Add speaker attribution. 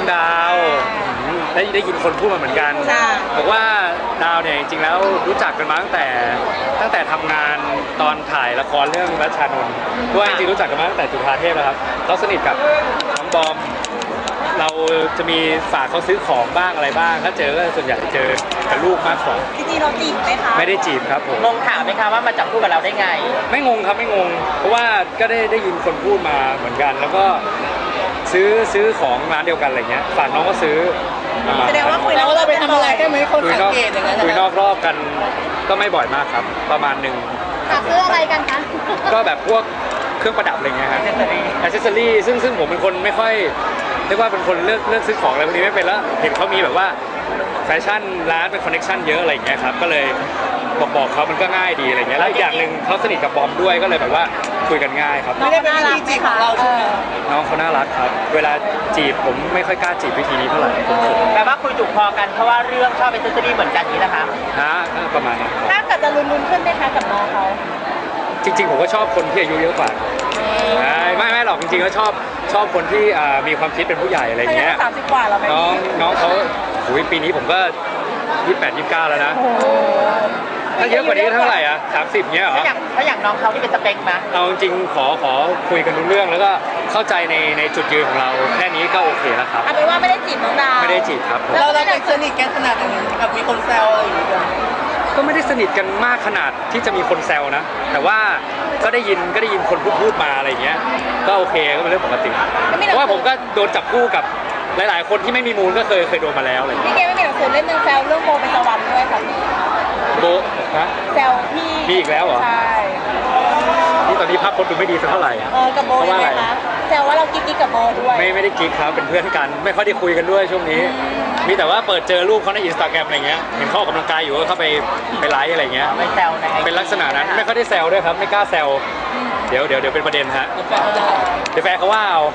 Speaker 1: ดาวได้ยินคนพูดมาเหมือนกันบอกว่าดาวเนี่ยจริงๆแล้วรู้จักกันมาตั้งแต่ทำงานตอนถ่ายละครเรื่องรัชชานนท์ด้วยจริงๆรู้จักกันมาตั้งแต่จุฬาเทพแล้วครับเขาสนิทกับน้องบอมเราจะมีฝากเขาซื้อของบ้างอะไรบ้างถ้าเจอก็ส่วนใหญ่เจอกับลูกมากกว่า
Speaker 2: จริงๆเราจีบไหมคะ
Speaker 1: ไม่ได้จีบครับผม
Speaker 3: งงถามไหมคะว่ามาจับคู่กับเราได้ไง
Speaker 1: ไม่งงครับไม่งงเพราะว่าก็ได้ยินคนพูดมาเหมือนกันแล้วก็ซื้อของร้านเดียวกันอะไรเงี้ยฝากน้องก็ซื้อ
Speaker 2: แสดงว่าคุย
Speaker 3: แล้วเราไปทำอะไรได้ไหมคนสังเกตอย่างนั้น
Speaker 1: คุยนอกรอบกันก็ไม่บ่อยมากครับประมาณนึง
Speaker 2: ซื้ออะไรกันคะ
Speaker 1: ก็แบบพวกเครื่องประดับอะไรเงี้ยครับอิเซอรี่ซึ่งผมเป็นคนไม่ค่อยเรียกว่าเป็นคนเลือกซื้อของอะไรพวกนี้ไม่เป็นแล้วเห็นเขามีแบบว่าแฟชั่นร้านเป็นคอนเนคชั่นเยอะอะไรเงี้ยครับก็เลยบอกเขามันก็ง่ายดีอะไรเงี้ยแล้วอีกอย่างหนึ่งเขาสนิทกับบอมด้วยก็เลยแบบว่าคุยกันง่ายครับ
Speaker 3: ไม่ได้เป็นวิธีจีบของเราใช่ไหม
Speaker 1: น้องเขาน่ารักครับเวลาจีบผมไม่ค่อยกล้าจีบวิธีนี้เท่าไหร่
Speaker 3: แปลว่าคุยถูกคอกันเพราะว่าเรื่องชอบอิเซอรี่เหมือนกันนี้นะคะ
Speaker 1: ประมาณนั้น
Speaker 2: ถ้าเกิดจะลุ้นขึ้นไหมคะกับน้องเขา
Speaker 1: จริงๆผมก็ชอบคนที่อายุเยอะกว่าไม่หรอกจริงๆก็ชอบคนที่มีความคิดเป็นผู้ใหญ่อะไรเงี้ย
Speaker 2: 30 กว่าแล้วไหม
Speaker 1: น้องเขาปีนี้ผมก็28 29แล้วนะถ้าเยอะกว่านี้เท่าไหร่อ่ะ30เงี้ยเหรอ
Speaker 3: ถ้าอย่างน้องเขาที่เป็นสเปคไหม
Speaker 1: เอาจริงขอคุยกันรู้เรื่องแล้วก็เข้าใจในจุดยืนของเราแค่นี้ก็โอเคแล้วครับ
Speaker 2: เอาเป็นว่าไม่ได้จีบน้องดาว
Speaker 1: ไม่ได้จีบครับ
Speaker 3: เราได้สนิทกันขนาดไหนกับมีคนแซวอะไรอย่างเงี้ย
Speaker 1: ก็ไม่ได้สนิทกันมากขนาดที่จะมีคนแซวนะแต่ว่าก็ได้ยินคนพูดมาอะไรเงี้ยก็โอเคก็เป็นเรื่องปกติเพราะว่าผมก็โดนจับคู่กับหลายๆคนที่ไม่มีมูลก็เคยโดนมาแล้วอะไร
Speaker 2: พี่เกไม่มีหนังสือเล่มนึงแซวเรื่องโบเป็นตะวันด้วยค่ะ
Speaker 1: โบฮะ
Speaker 2: แซวพี่
Speaker 1: มีอีกแล้วเหรอ
Speaker 2: ใช่
Speaker 1: นี่ตอนนี้ภาพคนดูไม่ดีสักเท่าไหร่
Speaker 2: กับโบยังไงคะแซวว่าเรากิ๊กกับโบด้วย
Speaker 1: ไม่ได้กิ๊กครับเป็นเพื่อนกันไม่ค่อยได้คุยกันด้วยช่วงนี้มีแต่ว่าเปิดเจอรูปเขาในอินสตาแกรมอะไรเงี้ยเห็นเขาออกกำลังกายอยู่ก็เข้าไปไลค์อะไรเงี้ย
Speaker 3: ไม่แซว
Speaker 1: เป็นลักษณะนั้นไม่ค่อยได้แซวด้วยครับไม่กล้าแซวเดี๋ยวเป็นประเด็นฮะเดี๋ยวแฟนเขาว่าเอา